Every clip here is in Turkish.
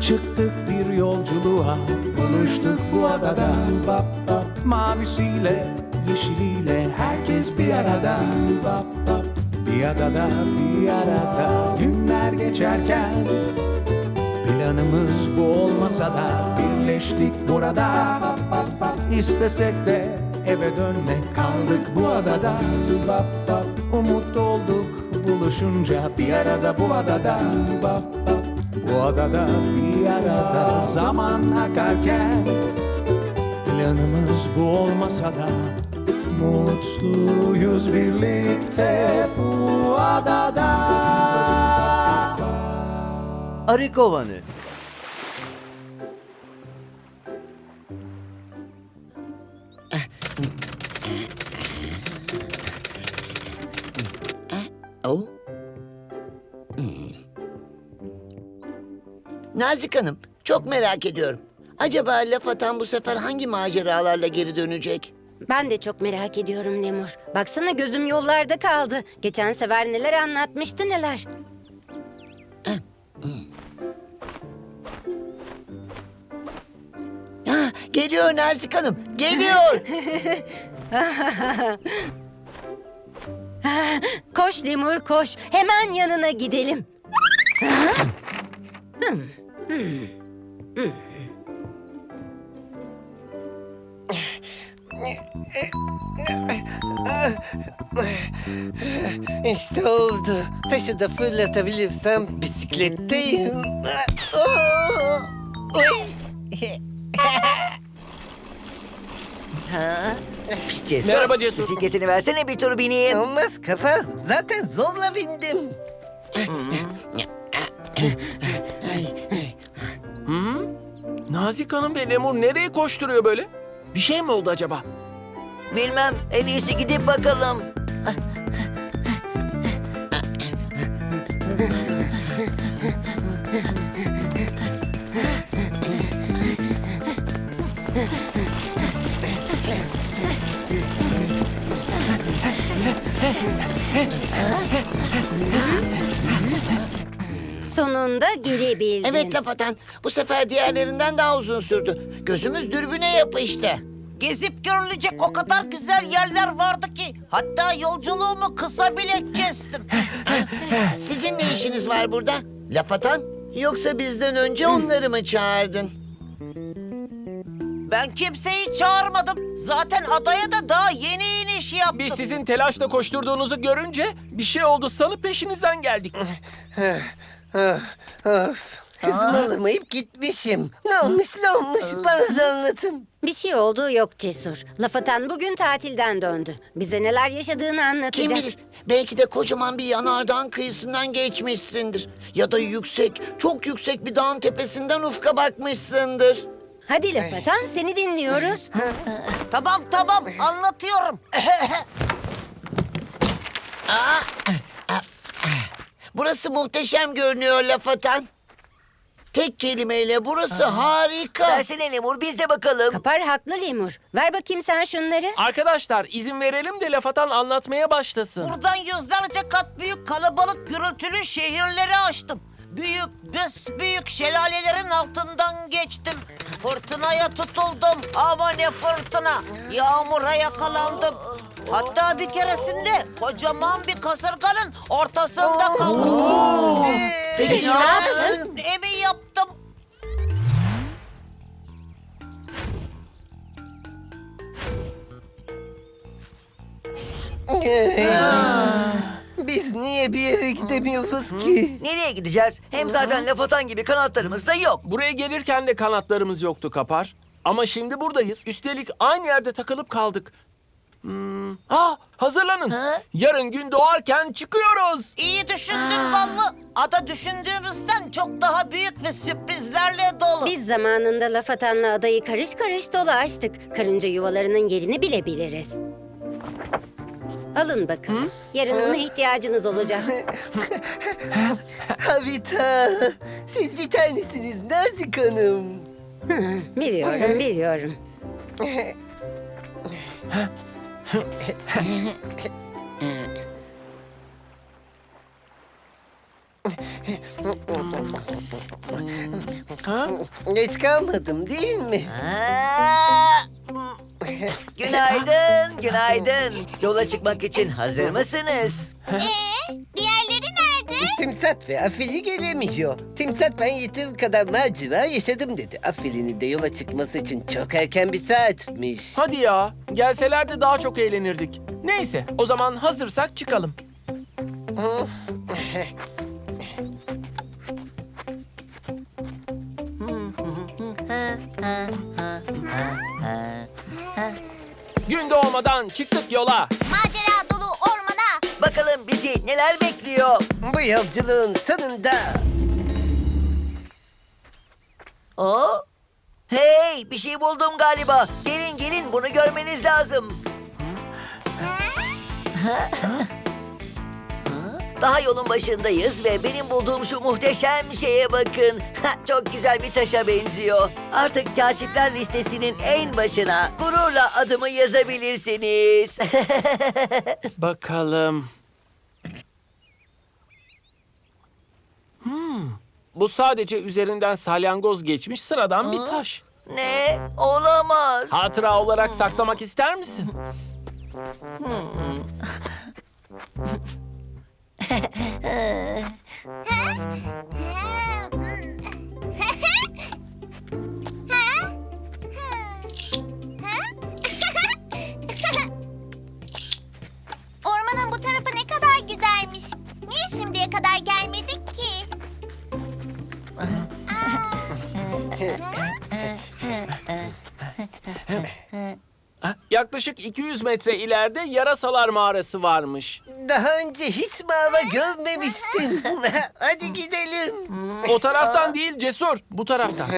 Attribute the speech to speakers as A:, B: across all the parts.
A: Çıktık bir yolculuğa, buluştuk bu adada. Bap bap. Mavisiyle, yeşiliyle herkes bir arada. Bap bap. Bir adada, bir arada. Günler geçerken planımız bu olmasa da birleştik burada. Bap bap bap. İstesek de eve dönmek, kaldık bu adada. Bap bap. Umut olduk buluşunca bir arada bu adada. Bap bap. Bu adada bir arada zaman akarken planımız bu olmasa da mutluyuz birlikte bu adada.
B: Arı kovanı.
C: Oh. Nazik Hanım, çok merak ediyorum. Acaba laf atan bu sefer hangi maceralarla geri dönecek?
D: Ben de çok merak ediyorum Lemur. Baksana gözüm yollarda kaldı. Geçen sefer neler anlatmıştı neler.
C: Ha, geliyor Nazik Hanım, geliyor.
D: Koş Lemur koş. Hemen yanına gidelim.
E: İşte oldu. Taşı da fırlatabilirsem bisikletteyim.
B: Pişt Cesur.
F: Merhaba Cesur.
B: Bisikletini versene bir tur bineyim.
E: Olmaz kafa. Zaten zorla bindim.
F: Nazik Hanım ve Lemur nereye koşturuyor böyle? Bir şey mi oldu acaba?
B: Bilmem. En iyisi gidip bakalım.
D: Sonunda gelebildin.
C: Evet laf atan, bu sefer diğerlerinden daha uzun sürdü. Gözümüz dürbüne yapıştı.
G: Gezip görülecek o kadar güzel yerler vardı ki hatta yolculuğumu kısa bile kestim.
C: Sizin ne işiniz var burada? Laf atan? Yoksa bizden önce onları mı çağırdın?
G: Ben kimseyi çağırmadım. Zaten adaya da daha yeni iniş yaptım.
F: Biz sizin telaşla koşturduğunuzu görünce bir şey oldu sanıp peşinizden geldik.
E: Of. Hızımı alamayıp gitmişim. Ne olmuş bana da anlatın.
D: Bir şey olduğu yok Cesur. Laf atan bugün tatilden döndü. Bize neler yaşadığını anlatacak.
C: Kim bilir? Belki de kocaman bir yanardağın kıyısından geçmişsindir. Ya da yüksek, çok yüksek bir dağın tepesinden ufka bakmışsındır.
D: Hadi laf atan seni dinliyoruz.
G: Tamam anlatıyorum.
C: Burası muhteşem görünüyor laf atan. Tek kelimeyle burası harika.
B: Versene Lemur biz de bakalım.
D: Kapar haklı Lemur. Ver bakayım sen şunları.
F: Arkadaşlar izin verelim de laf atan anlatmaya başlasın.
G: Buradan yüzlerce kat büyük kalabalık gürültülü şehirleri açtım. Büyük şelalelerin altından geçtim. Fırtınaya tutuldum. Ama ne fırtına. Yağmura yakalandım. Hatta bir keresinde kocaman bir kasırganın ortasında kaldım.
C: Peki ne yaptın?
G: Evi yaptım.
E: Biz niye bir yere gidemiyoruz ki?
B: Nereye gideceğiz? Hem zaten laf atan gibi kanatlarımız da yok.
F: Buraya gelirken de kanatlarımız yoktu Kapar. Ama şimdi buradayız. Üstelik aynı yerde takılıp kaldık. Hazırlanın. Yarın gün doğarken çıkıyoruz.
G: İyi düşündün Ballı. Ada düşündüğümüzden çok daha büyük ve sürprizlerle dolu.
D: Biz zamanında laf atanla adayı karış karış dolaştık. Karınca yuvalarının yerini bile biliriz. Alın bakın. Yarın ona ihtiyacınız olacak.
E: Havita, siz bir tanesiniz Nazik Hanım.
D: Biliyorum.
E: Geç kalmadım değil mi?
B: Aa! Günaydın, günaydın. Yola çıkmak için hazır mısınız?
H: Diğerleri nerede?
E: Timsat ve Afili gelemiyor. Timsat ben yeteri kadar macera yaşadım dedi. Afili'nin de yola çıkması için çok erken bir saatmiş.
F: Hadi ya, gelselerdi daha çok eğlenirdik. Neyse, o zaman hazırsak çıkalım. Gün doğmadan çıktık yola.
H: Macera dolu ormana.
B: Bakalım bizi neler bekliyor?
E: Bu yolculuğun sonunda
B: Aa! Hey, bir şey buldum galiba. Gelin gelin, bunu görmeniz lazım. Daha yolun başındayız ve benim bulduğum şu muhteşem şeye bakın. Çok güzel bir taşa benziyor. Artık kaşifler listesinin en başına gururla adımı yazabilirsiniz.
F: Bakalım. Bu sadece üzerinden salyangoz geçmiş sıradan bir taş.
B: Ne? Olamaz.
F: Hatıra olarak saklamak ister misin?
H: Ormanın bu tarafı ne kadar güzelmiş. Niye şimdiye kadar gelmedik ki?
F: Yaklaşık 200 metre ileride Yarasalar Mağarası varmış.
E: daha önce hiç mağara görmemiştim. Hadi gidelim.
F: O taraftan değil Cesur, bu taraftan.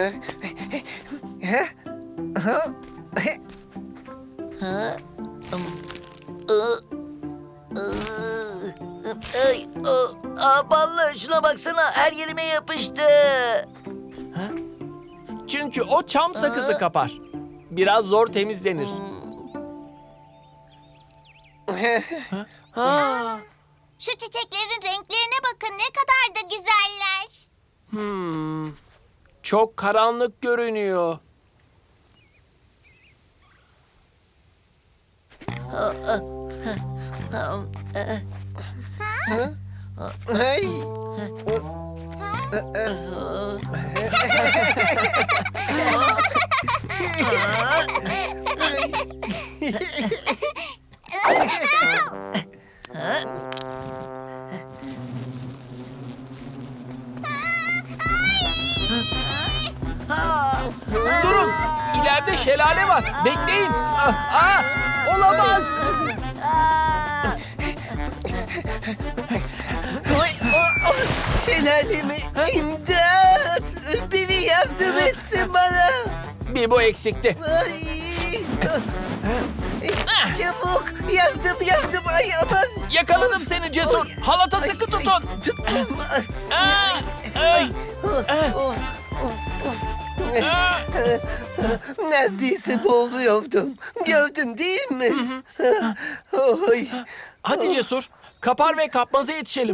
B: Ay, ballı, şuna baksana, her yerime yapıştı.
F: Çünkü o çam sakızı kapar. Biraz zor temizlenir.
H: Şu çiçeklerin renklerine bakın ne kadar da güzeller.
F: Çok karanlık görünüyor.
E: Ay.
F: Durun, ileride şelale var. Bekleyin. Olamaz.
E: Şelalemi imdat. Biri yardım etsin bana.
F: Bir bu eksikti.
E: Ay. Çabuk yardım ay aman.
F: Yakaladım seni Cesur. Halata sıkı tutun.
E: Tuttum.
F: Aa,
E: Oh, neredeyse boğuluyordum. Gördün değil mi? Oy.
F: Hadi Cesur, kapar ve kapmaza yetişelim.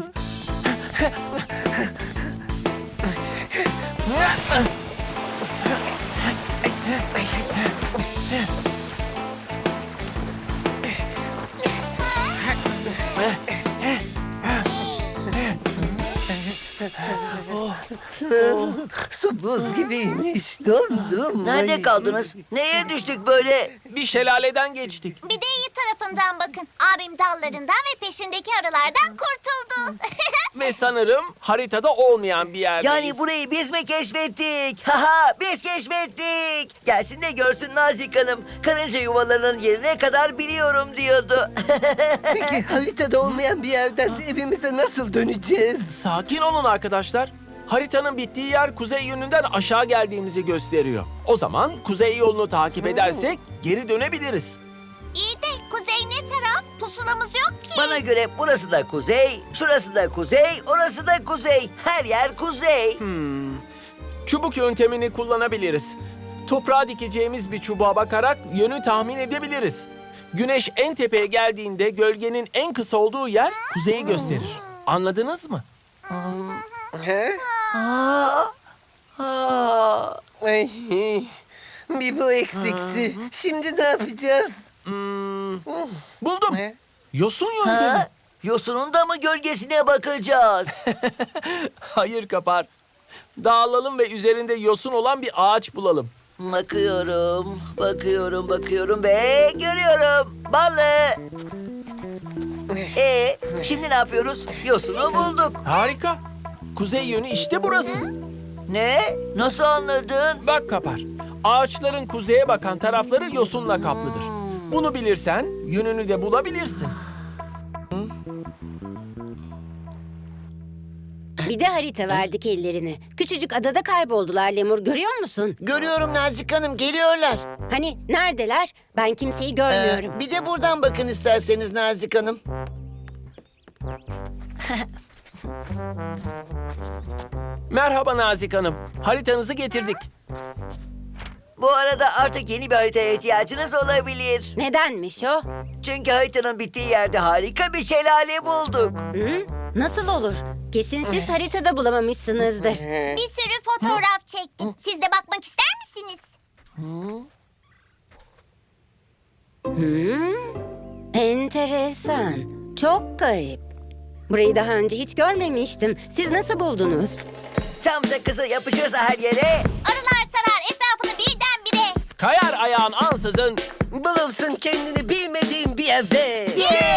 E: Su buz gibiymiş. Dondum.
B: Nerede
E: Ay.
B: kaldınız? Neye düştük böyle?
F: Bir şelaleden geçtik.
H: Bir de iyi tarafından bakın. Abim dallarından ve peşindeki arılardan kurtuldu.
F: Ve sanırım haritada olmayan bir yerdeyiz.
B: Yani burayı biz mi keşfettik? Haha, biz keşfettik. Gelsin de görsün Nazik Hanım. Karınca yuvalarının yerine kadar biliyorum diyordu.
E: Peki haritada olmayan bir yerden evimize nasıl döneceğiz?
F: Sakin olun arkadaşlar. Haritanın bittiği yer kuzey yönünden aşağı geldiğimizi gösteriyor. O zaman kuzey yolunu takip edersek geri dönebiliriz.
H: İyi de kuzey ne taraf? Pusulamız yok ki.
B: Bana göre burası da kuzey, şurası da kuzey, orası da kuzey. Her yer kuzey.
F: Çubuk yöntemini kullanabiliriz. Toprağa dikeceğimiz bir çubuğa bakarak yönü tahmin edebiliriz. Güneş en tepeye geldiğinde gölgenin en kısa olduğu yer kuzeyi gösterir. Anladınız mı?
E: He?
C: Aa,
E: Ay, bir bu eksikti. Şimdi ne yapacağız?
F: Buldum.
E: Ne?
F: Yosun yöntemi.
B: Ha? Yosunun da mı gölgesine bakacağız?
F: Hayır Kapar. Dağılalım ve üzerinde yosun olan bir ağaç bulalım.
B: Bakıyorum ve görüyorum. Balı. Şimdi ne yapıyoruz? Yosunu bulduk.
F: Harika. Kuzey yönü işte burası.
B: Ne? Nasıl anladın?
F: Bak Kapar. Ağaçların kuzeye bakan tarafları yosunla kaplıdır. Bunu bilirsen yönünü de bulabilirsin.
D: Bir de harita verdik ellerine. Küçücük adada kayboldular Lemur, görüyor musun?
C: görüyorum Nazik Hanım, geliyorlar.
D: Hani neredeler? Ben kimseyi görmüyorum.
C: Bir de buradan bakın isterseniz Nazik Hanım.
F: Merhaba Nazik Hanım. Haritanızı getirdik.
B: Bu arada artık yeni bir haritaya ihtiyacınız olabilir.
D: Nedenmiş o?
B: Çünkü haritanın bittiği yerde harika bir şelale bulduk.
D: Hı? Nasıl olur? Kesin siz haritada bulamamışsınızdır.
H: Bir sürü fotoğraf çektim. Siz de bakmak ister misiniz?
D: Enteresan. Çok garip. Burayı daha önce hiç görmemiştim. Siz nasıl buldunuz?
B: Çam sakızı yapışırsa her yere.
H: Arılar sarar etrafını birdenbire.
F: Kayar ayağın ansızın.
E: Bulursun kendini bilmediğin bir evde.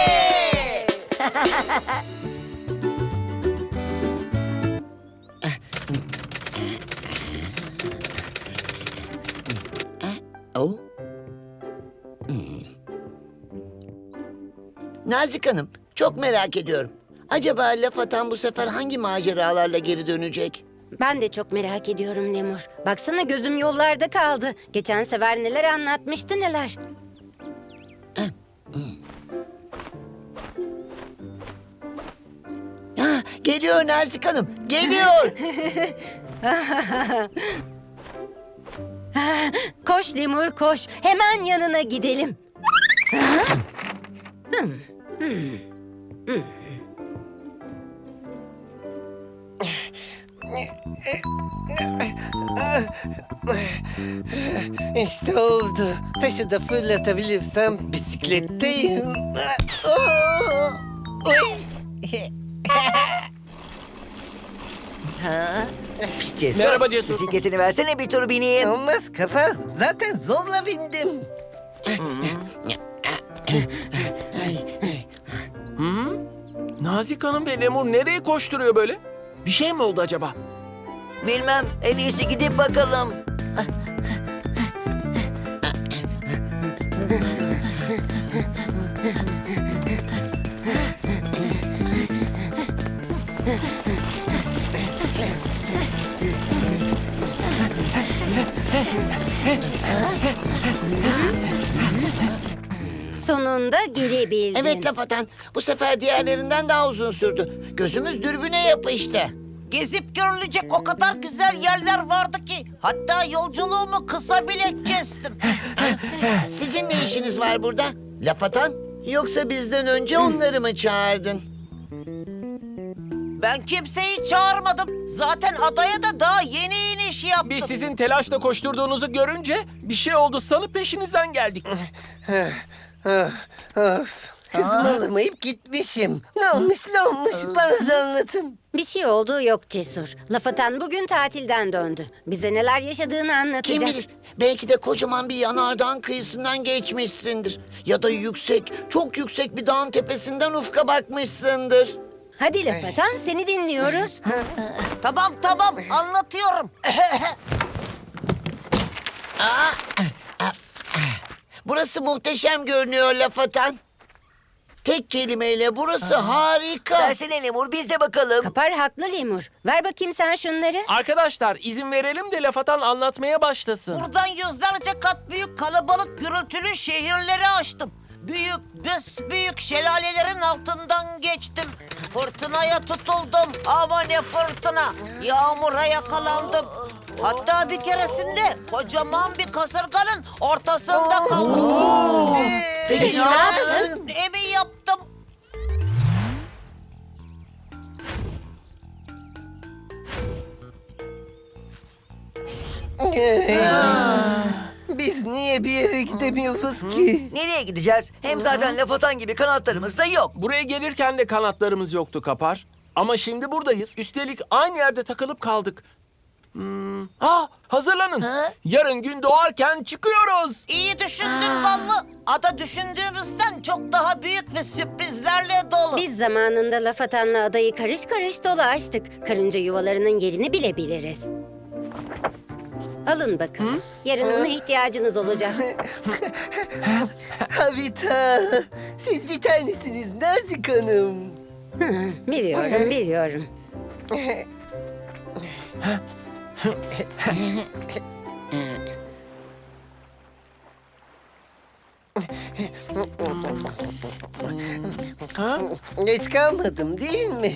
C: Oh. Nazik Hanım, çok merak ediyorum. Acaba laf atan bu sefer hangi maceralarla geri dönecek?
D: Ben de çok merak ediyorum Lemur. Baksana gözüm yollarda kaldı. Geçen sefer neler anlatmıştı neler.
C: Ha, geliyor Nazik Hanım, geliyor.
D: Koş Lemur koş. Hemen yanına gidelim.
E: İşte oldu. Taşı da fırlatabilirsem bisikletteyim. Oy.
B: Pişt Cesur.
F: Merhaba Cesur.
B: Bisikletini versene bir tur bineyim.
E: Olmaz kafa. Zaten zorla bindim.
F: Nazik Hanım ve Lemur nereye koşturuyor böyle? Bir şey mi oldu acaba?
B: Bilmem, en iyisi gidip bakalım.
D: Sonunda gelebildin.
C: Evet laf atan, bu sefer diğerlerinden daha uzun sürdü. Gözümüz dürbüne yapıştı.
G: Gezip görülecek o kadar güzel yerler vardı ki. Hatta yolculuğumu kısa bile kestim.
C: Sizin ne işiniz var burada? Laf atan? Yoksa bizden önce onları mı çağırdın?
G: Ben kimseyi çağırmadım. Zaten adaya da daha yeni iniş yaptım.
F: Biz sizin telaşla koşturduğunuzu görünce bir şey oldu sanıp peşinizden geldik.
E: Of. Hızımı alamayıp gitmişim. Ne olmuş bana da anlatın.
D: Bir şey olduğu yok Cesur. Laf atan bugün tatilden döndü. Bize neler yaşadığını anlatacak.
C: Kim bilir? Belki de kocaman bir yanardağın kıyısından geçmişsindir. Ya da yüksek, çok yüksek bir dağın tepesinden ufka bakmışsındır.
D: Hadi laf atan, seni dinliyoruz.
G: Tamam anlatıyorum.
C: Burası muhteşem görünüyor laf atan. Tek kelimeyle burası harika.
B: Versene Lemur, biz de bakalım.
D: Kapar haklı Lemur. Ver bakayım sen şunları.
F: Arkadaşlar izin verelim de laf atan anlatmaya başlasın.
G: Buradan yüzlerce kat büyük kalabalık gürültülü şehirleri açtım. Büyük şelalelerin altından geçtim. Fırtınaya tutuldum. Ama ne fırtına. Yağmura yakalandım. Hatta bir keresinde kocaman bir kasırganın ortasında kaldım.
C: Peki ne yaptın?
G: Evi yaptım.
E: Biz niye bir yere gidemiyoruz ki?
B: Nereye gideceğiz? Hem zaten laf atan gibi kanatlarımız da yok.
F: Buraya gelirken de kanatlarımız yoktu Kapar. Ama şimdi buradayız. Üstelik aynı yerde takılıp kaldık. Hazırlanın. Yarın gün doğarken çıkıyoruz.
G: İyi düşündün Ballı. Ada düşündüğümüzden çok daha büyük ve sürprizlerle dolu.
D: Biz zamanında laf atanla adayı karış karış dolaştık. Karınca yuvalarının yerini bile biliriz. Alın bakın. Yarın ona ihtiyacınız olacak.
E: Havita, siz bir tanesiniz Nazik Hanım.
D: Biliyorum, biliyorum.
E: Geç kalmadım değil mi?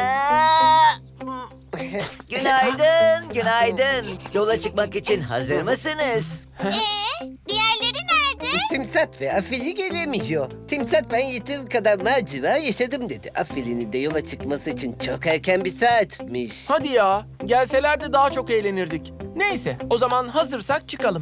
B: Günaydın, günaydın. Yola çıkmak için hazır mısınız?
H: Diğerleri nerede?
E: Timsat ve Afili gelemiyor. Timsat ben yeteri kadar macera yaşadım dedi. Afili'nin de yola çıkması için çok erken bir saatmiş.
F: Hadi ya. Gelselerdi daha çok eğlenirdik. Neyse, o zaman hazırsak çıkalım.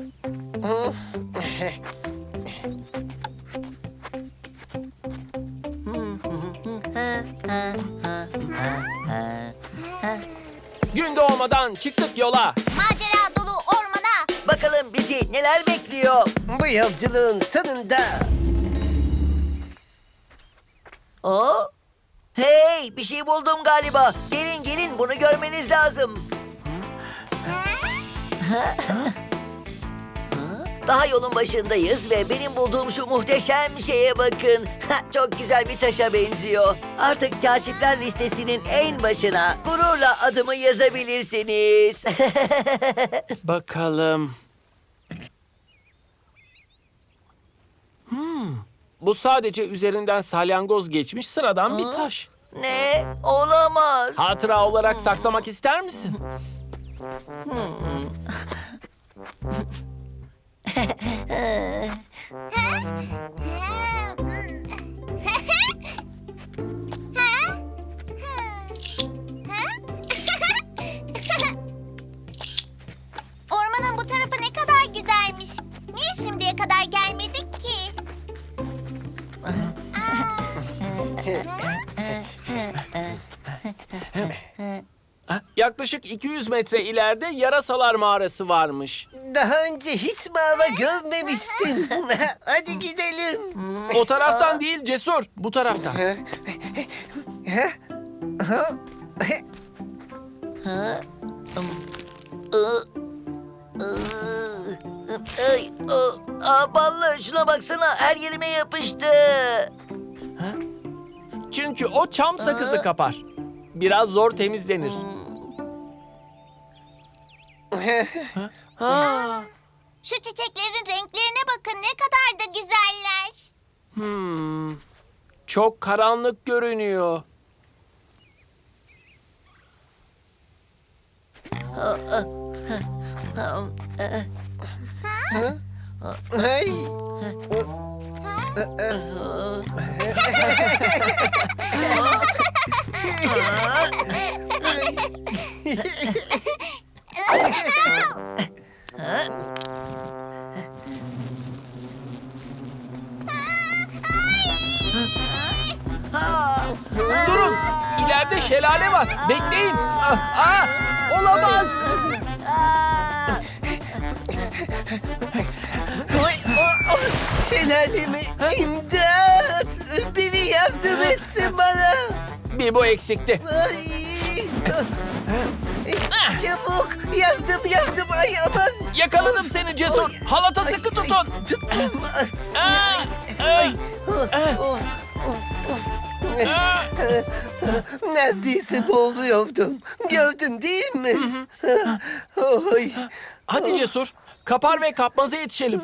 F: Gün doğmadan çıktık yola.
H: Macera dolu ormana.
B: Bakalım bizi neler bekliyor?
E: Bu yolculuğun sonunda
B: Hey, bir şey buldum galiba. Gelin gelin, bunu görmeniz lazım. Daha yolun başındayız ve benim bulduğum şu muhteşem şeye bakın. Çok güzel bir taşa benziyor. Artık kaşifler listesinin en başına gururla adımı yazabilirsiniz.
F: Bakalım. Bu sadece üzerinden salyangoz geçmiş sıradan bir taş.
B: Ne? Olamaz.
F: Hatıra olarak saklamak ister misin?
H: Ormanın bu tarafı ne kadar güzelmiş. Niye şimdiye kadar gelmedik ki?
F: Yaklaşık 200 metre ileride Yarasalar Mağarası varmış.
E: daha önce hiç mağara görmemiştim. Hadi gidelim.
F: O taraftan değil Cesur, bu taraftan.
B: Ballı, şuna baksana, her yerime yapıştı.
F: Çünkü o çam sakızı Kapar. Biraz zor temizlenir.
H: Şu çiçeklerin renklerine bakın, ne kadar da güzeller.
F: Çok karanlık görünüyor.
E: Hey.
F: Durun, ileride şelale var. Bekleyin. Olamaz.
E: Şelalemi imdat. Biri yardım etsin bana.
F: Bir bu eksikti.
E: Ay. Çabuk yardım ay aman.
F: Yakaladım seni Cesur. Halata sıkı tutun.
E: Tuttum. Neredeyse boğuluyordum. Gördün değil mi? Oy.
F: Hadi Cesur. Kapar ve kapmaza yetişelim.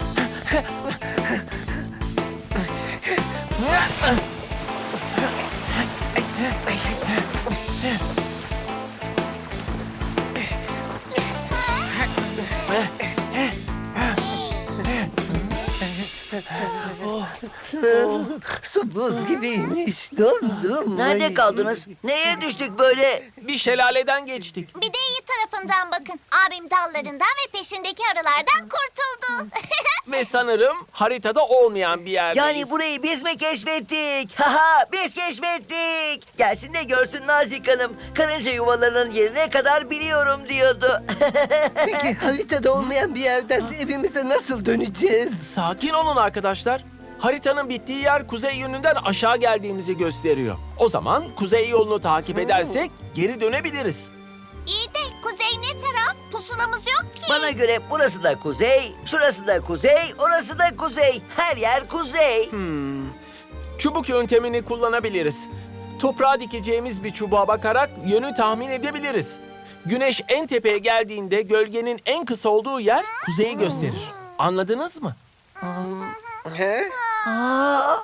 E: Su buz gibiymiş. Dondum.
B: Nerede
E: Ay.
B: kaldınız? Neye düştük böyle?
F: Bir şelaleden geçtik.
H: Bir de iyi tarafı tarafından bakın. Abim dallarından ve peşindeki arılardan kurtuldu.
F: Ve sanırım haritada olmayan bir yerdeyiz.
B: Yani burayı biz mi keşfettik? Haha, biz keşfettik. Gelsin de görsün Nazik Hanım. Karınca yuvalarının yerine kadar biliyorum diyordu.
E: Peki haritada olmayan bir yerden evimize nasıl döneceğiz?
F: Sakin olun arkadaşlar. Haritanın bittiği yer kuzey yönünden aşağı geldiğimizi gösteriyor. O zaman kuzey yolunu takip edersek geri dönebiliriz.
H: İyi de kuzey ne taraf? Pusulamız yok ki.
B: Bana göre burası da kuzey, şurası da kuzey, orası da kuzey. Her yer kuzey.
F: Çubuk yöntemini kullanabiliriz. Toprağa dikeceğimiz bir çubuğa bakarak yönü tahmin edebiliriz. Güneş en tepeye geldiğinde gölgenin en kısa olduğu yer kuzeyi gösterir. Anladınız mı?
E: He?
B: Aa,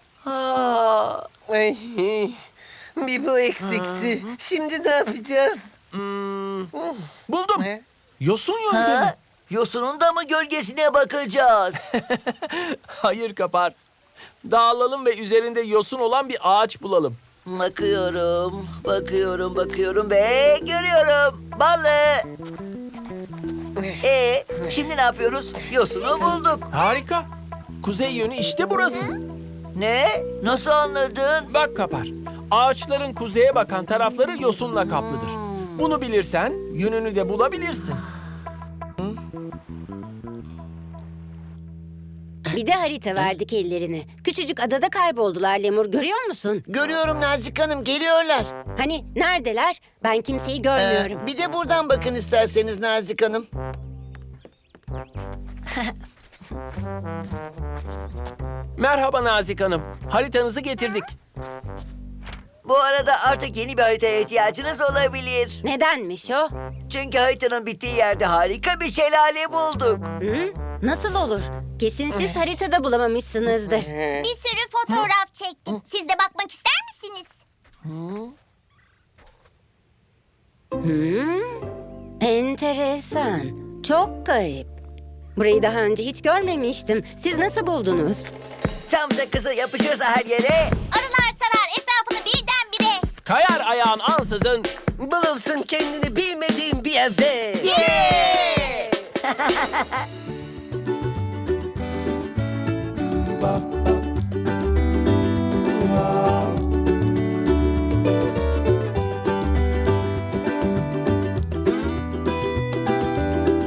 E: Ay, bir bu eksikti. Şimdi ne yapacağız?
F: Buldum.
E: Ne?
F: Yosun yöntemi.
B: ha? Yosunun da mı gölgesine bakacağız?
F: Hayır Kapar. Dağılalım ve üzerinde yosun olan bir ağaç bulalım.
B: Bakıyorum ve görüyorum. Balı. Şimdi ne yapıyoruz? Yosunu bulduk.
F: Harika. Kuzey yönü işte burası.
B: Ne? Nasıl anladın?
F: Bak Kapar. Ağaçların kuzeye bakan tarafları yosunla kaplıdır. Bunu bilirsen yönünü de bulabilirsin.
D: Bir de harita verdik ellerine. Küçücük adada kayboldular Lemur, görüyor musun?
C: Görüyorum Nazik Hanım, geliyorlar.
D: Hani neredeler? Ben kimseyi görmüyorum.
C: Bir de buradan bakın isterseniz Nazik Hanım.
F: Merhaba Nazik Hanım. Haritanızı getirdik.
B: Bu arada artık yeni bir haritaya ihtiyacınız olabilir.
D: Nedenmiş o?
B: Çünkü haritanın bittiği yerde harika bir şelale bulduk.
D: Hı? Nasıl olur? Kesin siz haritada bulamamışsınızdır.
H: Bir sürü fotoğraf çektim. Siz de bakmak ister misiniz?
D: Enteresan. Çok garip. Burayı daha önce hiç görmemiştim. Siz nasıl buldunuz?
B: Çam sakızı yapışırsa her yere.
H: Arılar sarar etrafını birdenbire.
F: Kayar ayağın ansızın.
E: Bulursun kendini bilmediğin bir yerde.
B: Yeah!